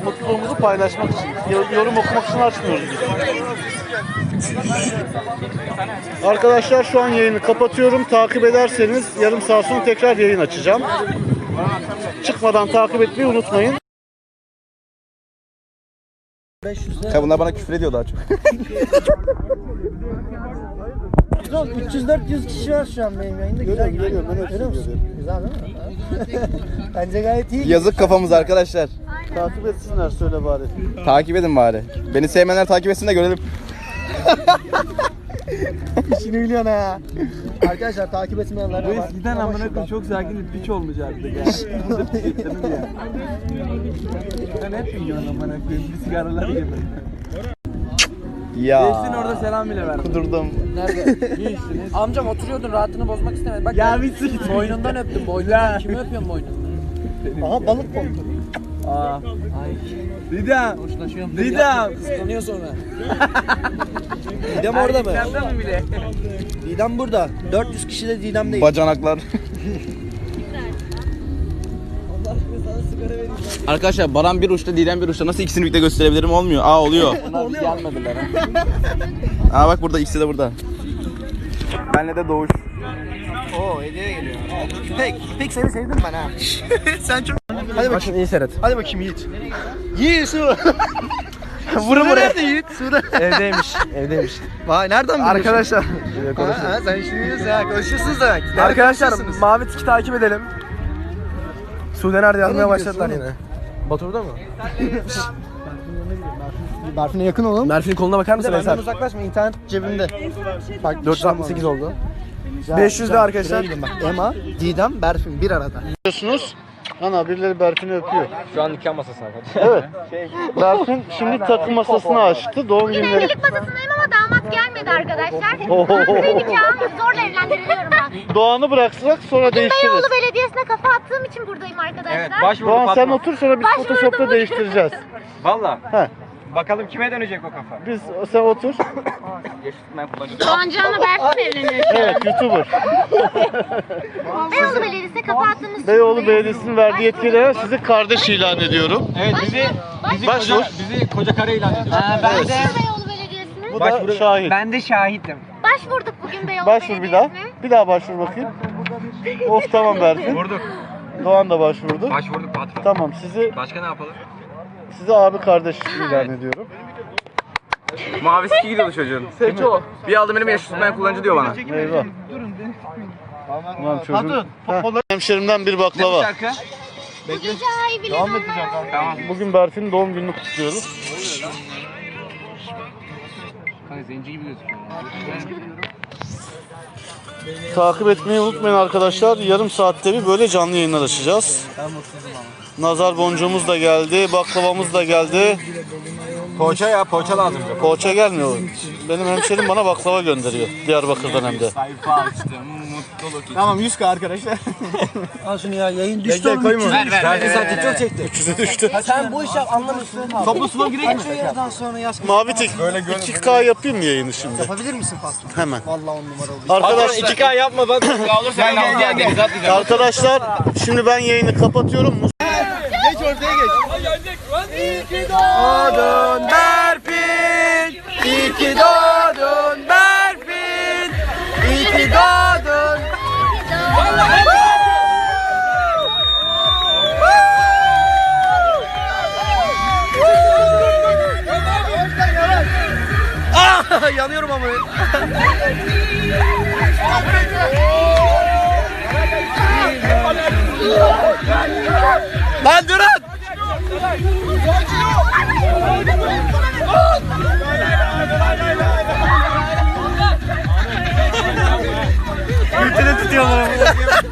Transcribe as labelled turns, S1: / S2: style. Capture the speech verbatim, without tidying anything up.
S1: mutluluğumuzu paylaşmak için. Yorum okumak için açmıyoruz biz. Arkadaşlar şu an yayını kapatıyorum. Takip ederseniz yarım saat sonra tekrar yayın açacağım. Çıkmadan takip etmeyi unutmayın.
S2: Ya bunlar bana küfür ediyor daha çok.
S3: üç yüz dört yüz kişi var şu an benim yayında. Güzel gidiyor.
S1: Görüyorum, ben hepsini görüyorum.
S3: Güzel değil mi? Bence gayet iyi.
S2: Yazık kafamız arkadaşlar.
S1: Takip etsinler söyle bari.
S2: Takip edin bari. Beni sevmeyenler takip etsin de görelim.
S3: İşini biliyorsun ha. Arkadaşlar takip etmeyenler
S4: Bu
S3: var.
S4: eskiden amına koyayım çok sakin bir piç olmayacaktı ya. Burada piçlerini ya. Ben hep yiyorum amına koyayım bir sigaralar gibi.
S2: Ya.
S4: Geçsin orada selam bile ver.
S2: Kudurdum.
S5: Nerede? Amcam oturuyordun, rahatını bozmak istemedim. Bak
S4: Ya
S5: ben
S4: bir sıkıntı.
S5: boynundan öptüm, boynundan. Kimi öpüyorsun boynundan?
S3: Aha balık koptu.
S4: Aa. Ay. Didem.
S5: Hoşlaşıyorum.
S4: Didem.
S5: Kıskanıyor sonra.
S3: Didem orada mı?
S4: Erkeklerden mi bile?
S3: Didem burada. dört yüz kişi de Didem değil.
S2: Bacanaklar. Arkadaşlar Baran bir uçta, Didem bir uçta. Nasıl ikisini birlikte gösterebilirim? Olmuyor. Aa oluyor.
S5: Bunlar gelmediler ha.
S2: Aa bak burada ikisi de burada. Benle de Doğuş.
S3: Oo hediye geliyor. Pek, pek seni sevdim ben ha. Sen çok... Hadi bakayım.
S4: iyi seyret.
S3: Hadi bakayım Yiğit. Yiğit su.
S2: Vurun buraya.
S3: Nerede Yiğit? Suda.
S4: Evdeymiş. Evdeymiş.
S3: Vay nereden biliyorsun?
S4: Arkadaşlar.
S3: Ha, ha, sen şimdi biliyorsun ya. Konuşuyorsunuz demek. Nerede
S4: Arkadaşlar
S3: konuşuyorsunuz?
S4: Mavi Tiki takip edelim. Sude nerede yazmaya
S3: Nereye
S4: başladılar
S3: gidiyorsun
S4: yine. Batur'da mı?
S3: Berfin'e yakın olun.
S4: Merfin'in koluna bakar mısın
S3: Benden
S4: Eser?
S3: uzaklaşma, internet cebimde. Bak,
S4: dört yüz altmış sekiz oldu. beş yüz de arkadaşlar.
S3: Bak, Ema, Didem, Berfin bir arada.
S1: Biliyorsunuz. Ana birileri Berfin'i öpüyor.
S4: Şu an nikah masası arkadaşlar.
S1: Evet. Berfin şimdi takım masasını açtı. Doğum günleri.
S6: Evlilik masasındayım ama damat gelmedi arkadaşlar.
S1: Oho.
S6: Ben nikahım zorla evlendiriliyorum ben.
S1: Doğan'ı bıraksak sonra değiştiririz.
S6: Beyoğlu Belediyesi'ne kafa attığım için buradayım arkadaşlar.
S4: başvurdu
S1: Doğan sen
S4: Fatma.
S1: otur sonra biz
S6: Başvurdum.
S1: Photoshop'ta değiştireceğiz.
S4: Valla.
S1: He.
S4: Bakalım kime dönecek o kafa?
S1: Biz sen otur.
S6: Doğancan'la Berfin evleniyor.
S1: Evet YouTuber.
S6: Beyoğlu Belediyesi'ne kafa attığımız için
S1: Beyoğlu
S6: buradayım.
S1: Belediyesi'nin verdiği yetkilere sizi kardeş ilan ediyorum.
S4: Evet bizi
S6: Başvur.
S1: Başvur.
S4: bizi koca kare ilan ediyor.
S5: Ben de,
S6: Beyoğlu Belediyesi'ne.
S1: Bu da şahit.
S5: ben de şahitim.
S6: Başvurduk bugün Beyoğlu
S1: Başvur bir daha.
S6: Belediyesi'ne.
S1: Bir daha başvur bakayım. Of tamam Berfin.
S4: Vurduk.
S1: Doğan da başvurdu.
S4: Başvurduk patron.
S1: Tamam sizi
S4: Başka ne yapalım?
S1: sizi abi kardeş ilan ediyorum.
S2: Mavi siki gidiyordu çocuğun.
S4: Seço.
S2: Bir aldı benim yaş tutmayan kullanıcı diyor bana.
S1: Eyvah. Ulan çocuğum. Heh, hemşerimden bir baklava.
S6: Bugün şahi bile
S4: Tamam.
S1: Bugün Berfin'in doğum gününü kutluyoruz.
S4: Kanka zenci gibi gözüküyor.
S1: Takip etmeyi unutmayın arkadaşlar. Yarım saatte bir böyle canlı yayınlar açacağız. Nazar boncuğumuz da geldi, baklavamız da geldi.
S4: Poğaça ya poğaça lazım.
S1: Poğaça gelmiyor. Benim hemşerim bana baklava gönderiyor. Diyarbakır'dan hem de.
S4: Sayfa açtım mutluluk için.
S3: Tamam yüz K arkadaşlar.
S5: Al şunu ya, yayın düştü oğlum.
S4: Ver ver ver.
S5: Belki zaten çok çekti.
S1: üç yüze düştü.
S5: Sen bu işi anlamıyorsun.
S3: Toplu sunum gireyim mi?
S5: Şu yerden sonra yaz.
S1: Mavi tik iki K yapayım mı yayını şimdi?
S3: Yapabilir misin patron?
S1: Hemen.
S3: Vallahi on numara oldu.
S1: Arkadaşlar,
S4: iki K yapma bak. Olursa gel gel gel. gel.
S1: arkadaşlar şimdi ben yayını kapatıyorum.
S3: Geç ortaya geç.
S4: Doğdun Berfin. İyi ki doğdun Berfin. İyi ki doğdun.
S3: Ah, yanıyorum ama.
S4: Lan durun.
S1: Ülkede tutuyorlar ama.